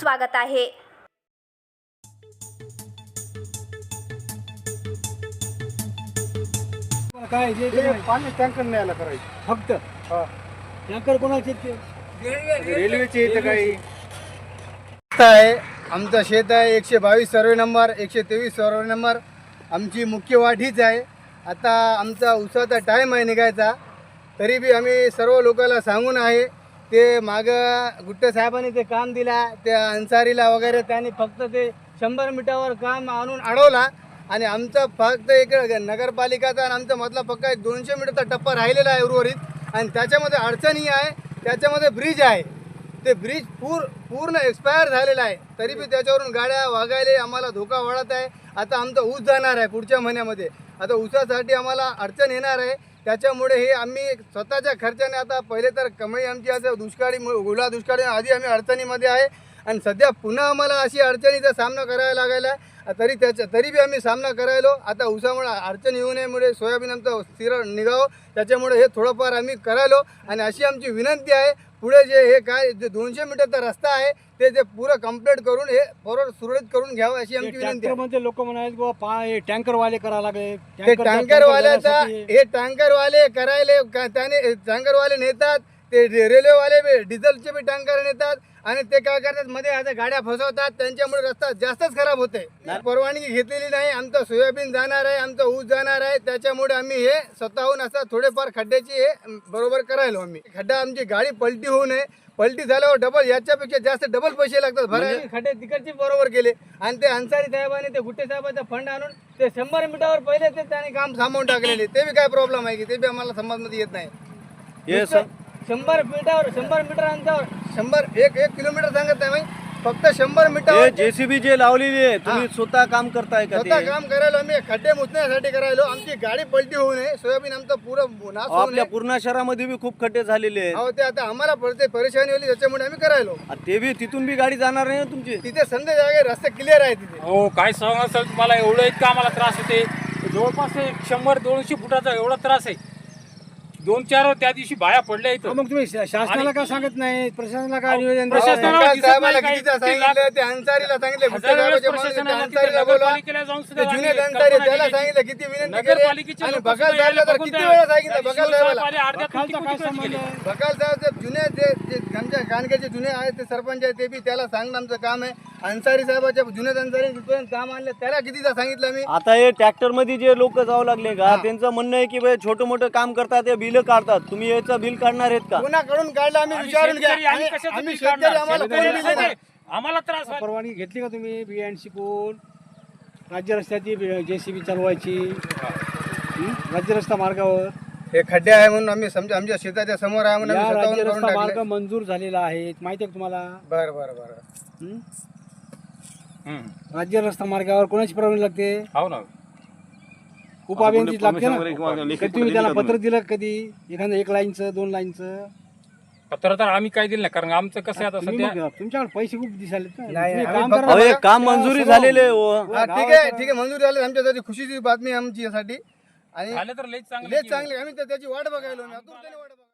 स्वागत आहे. काय जे पाणी टँकर न्यायला करायचं फक्त हा. टँकर कोणाचे ते रेल्वेचे इथं काही आहे. आमचं शेत आहे 122 सर्वे नंबर 123 सर्वे नंबर. आमची मुख्य वाट हीच आहे. आता आमचा उसाचा टाईम आहे निघायचा, तरी बी आम्ही सर्व लोकांना सांगून आहे. ते मागं गुट्टे साहेबांनी ते काम दिला त्या अन्सारीला वगैरे, त्यांनी फक्त ते 100 मीटरवर काम आणून अडवला आणि आमचा फक्त एक नगरपालिकाचा आणि आमचा मधला पक्का 200 मीटरचा टप्पा राहिलेला आहे उर्वरित. आणि त्याच्यामध्ये अडचणी आहे. त्याच्यामध्ये ब्रिज आहे, ते ब्रिज पूर्ण एक्सपायर झालेलं आहे, तरी बी त्याच्यावरून गाड्या वागायला आम्हाला धोका वाढत आहे. आता आमचा ऊस जाणार आहे पुढच्या महिन्यामध्ये. आता ऊसासाठी आम्हाला अडचण येणार आहे. त्याच्यामुळे हे आम्ही स्वतःच्या खर्चाने, आता पहिले तर कमाई आमची आता दुष्काळी ओला दुष्काळी आधी आम्ही अडचणीमध्ये आहे आणि सध्या पुन्हा आम्हाला अशी अडचणीचा सामना करायला लागायला आहे. तरी बी आम्ही सामना करायलो. आता ऊसामुळे अडचण येऊ नयेमुळे सोयाबीन आमचं स्थिर निघावं, त्याच्यामुळे हे थोडंफार आम्ही करायलो. आणि अशी आमची विनंती आहे, पुढे जे 200 मीटरचा रस्ता आहे ते पुरं कंप्लीट करून हे बरोबर सुरळीत करून घ्यावं अशी आमची विनंती आहे. म्हणजे लोक म्हणाले बाबा टँकरवाले करा लागले, ते टँकरवाल्याचा हे टँकरवाले करायले त्याने टँकरवाले नेतात, ते रेल्वेवाले डिझेलचे बी टँकर नेतात आणि ते काय करतात मध्ये आता गाड्या फसवतात, त्यांच्यामुळे रस्ता जास्तच खराब होते. परवानगी घेतलेली नाही. आमचं सोयाबीन जाणार आहे, आमचं ऊस जाणार आहे, त्याच्यामुळे आम्ही हे स्वतःहून असं थोडेफार खड्ड्याची हे बरोबर करायलो. आम्ही खड्डा आमची गाडी पलटी होऊ नये, पलटी झाल्यावर डबल याच्यापेक्षा जास्त डबल पैसे लागतात भरायला. खड्डे तिकडचे बरोबर केले आणि ते अन्सारी साहेबांनी ते गुट्टे साहेबांचा फंड आणून ते 100 मीटरवर पहिले ते त्याने काम थांबवून टाकलेले. ते बी काय प्रॉब्लेम आहे की ते बी आम्हाला समाजमध्ये येत नाही. 100 मीटर अंतरावर 1 किलोमीटर सांगत नाही, फक्त 100 मीटर. जेसीबी जे लावलेली आहे, तुम्ही स्वतः काम करताय का? स्वतः काम करायला आम्ही खड्डे मुचण्यासाठी करायलो. आमची गाडी पलटी होऊ नये, सोयाबीन आमचं पुरं नाश होऊ नये. आपल्या पूर्ण शहरामध्ये बी खूप खड्डे झालेले आहेत. हो, ते आता आम्हाला पडते परेशानी होली, त्याच्यामुळे आम्ही करायलो. ते बी तिथून बी गाडी जाणार नाही ना तुमची. तिथे संधी जागे रस्ते क्लिअर आहे तिथे. हो, काय सांगा सर, मला एवढं इतका आम्हाला त्रास होते. जवळपास 100-200 फुटाचा एवढा त्रास आहे. 2-4 त्या दिवशी बाया पडल्या इथं. मग तुम्ही शासनाला का सांगत नाही, प्रशासनाला काय निवेदन प्रशासनाला दिसत साहेबाला नाही कितीदा काही. सांगितलं, ते अन्सारीला सांगितलं, गुट्टे हजार वेळेस साहेबाच्या मागे ते प्रशासनाला अन्सारीला तिथे बोलवा. नगरपालिकेला जाऊन सुद्धा ते जुने आम्ही अन्सारी कल्पना त्याला केली. सांगितलं, किती विनंती केली. नगरपालिकेचे आणि लोक बकाल सुद्धा साहेबला तर यायला किती बघतात. वेळा सांगितलं. त्या बकाल दिवशी साहेबाला आले, अर्ध्या बकालचा किती काय कुठे संबंध गेले. आहे? बकाल साहेब जे जुने जे आमच्या गाणग्याचे जुने आहेत ते सरपंच आहे, ते बी त्याला सांगणं आमचं काम आहे. अन्सारी साहेबाच्या जुने अन्सारी जिथपर्यंत काम आणलं त्याला कितीदा सांगितलं मी. आता हे ट्रॅक्टर मध्ये जे लोक जाऊ लागले का, त्यांचं म्हणणं आहे की भाई छोटं मोठं काम करतात, ते बिल काढतात, तुम्ही याचं बिल काढणार आहेत का? कोणाकडून काढलं आम्ही विचारून घ्या. शेतकरी आम्ही कशाचं आम्ही बिल शेतकरी, काढणार? आम्हाला कोणी शेतकरी दिलं नाही. आम्हाला त्रास व्हायला. परवानगी घेतली का तुम्ही बियाणशी कोण राज्य रस्त्याची जेसीबी चालवायची राज्य रस्ता मार्गावर? हे खड्डे आहे म्हणून आम्ही समजा आमच्या शेताच्या समोर आहे म्हणून या आम्ही राज्य स्वतःहून करून रस्ता मार्ग टाकले. मंजूर झालेला आहे, माहिती आहे का तुम्हाला? बरं बरं बरं. हं? हम्म. राज्य रस्ता मार्गावर कोणाची परवानगी लागते? हो ना. उपाभियंतीच लागते ना. कधी तुम्ही त्याला पत्र दिलं कधी? एखादं 1 लाईनचं 2 लाईनचं पत्र तर आम्ही काय दिलं नाही, कारण आमचं कसं आहे आता तुम्ही सध्या मग तुमच्याकडे पैसे खूप दिसाले ना. नाही, तुम्ही आम्ही काम फक्त- करा. अहो, हे काम मंजुरी झालेले आहे, हो. हा, ठीक आहे मंजूर झाले. आमच्यासाठी खुशीची बातमी आहे आमची यासाठी. आणि झालं तर लई लय चांगली आम्ही तर त्याची वाट बघायलो.